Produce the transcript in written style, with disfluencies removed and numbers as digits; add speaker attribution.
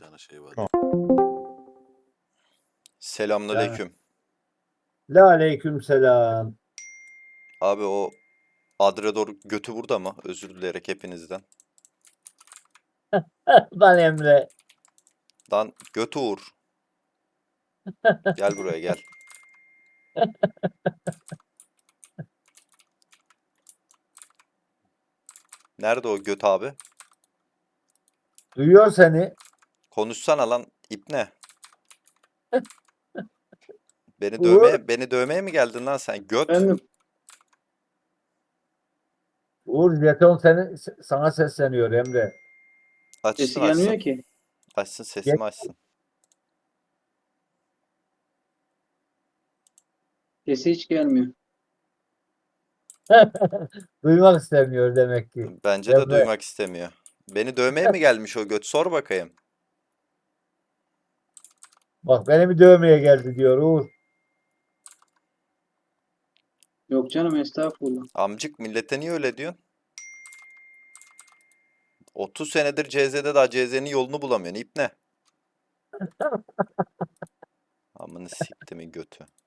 Speaker 1: tane şey var.
Speaker 2: Tamam.
Speaker 1: Selamünaleyküm.
Speaker 2: La aleykümselam.
Speaker 1: Abi o Adredor götü burada mı? Özür dileyerek hepinizden.
Speaker 2: Lan Emre.
Speaker 1: Lan götü Uğur. Gel buraya gel. Nerede o göt abi?
Speaker 2: Duyuyor seni.
Speaker 1: Konuşsana lan ipne. Beni
Speaker 2: Uğur.
Speaker 1: dövmeye mi geldin lan sen? Göt.
Speaker 3: Efendim,
Speaker 2: Uğur jeton sana sesleniyor Emre.
Speaker 1: Açsın
Speaker 3: sesi gelmiyor
Speaker 1: açsın.
Speaker 3: ki.
Speaker 1: Açsın
Speaker 2: Gel.
Speaker 1: sesimi açsın.
Speaker 3: Sesi hiç gelmiyor.
Speaker 2: Duymak istemiyor demek ki.
Speaker 1: Bence de
Speaker 2: Emre.
Speaker 1: duymak istemiyor. Beni dövmeye mi gelmiş o göt? Sor bakayım.
Speaker 2: Bak beni bir dövmeye geldi diyor Uğur.
Speaker 3: Yok canım, estağfurullah.
Speaker 1: Amcık millete niye öyle diyorsun? 30 senedir CZ'de daha CZ'nin yolunu bulamıyorsun. İpne. Amını siktimin götü.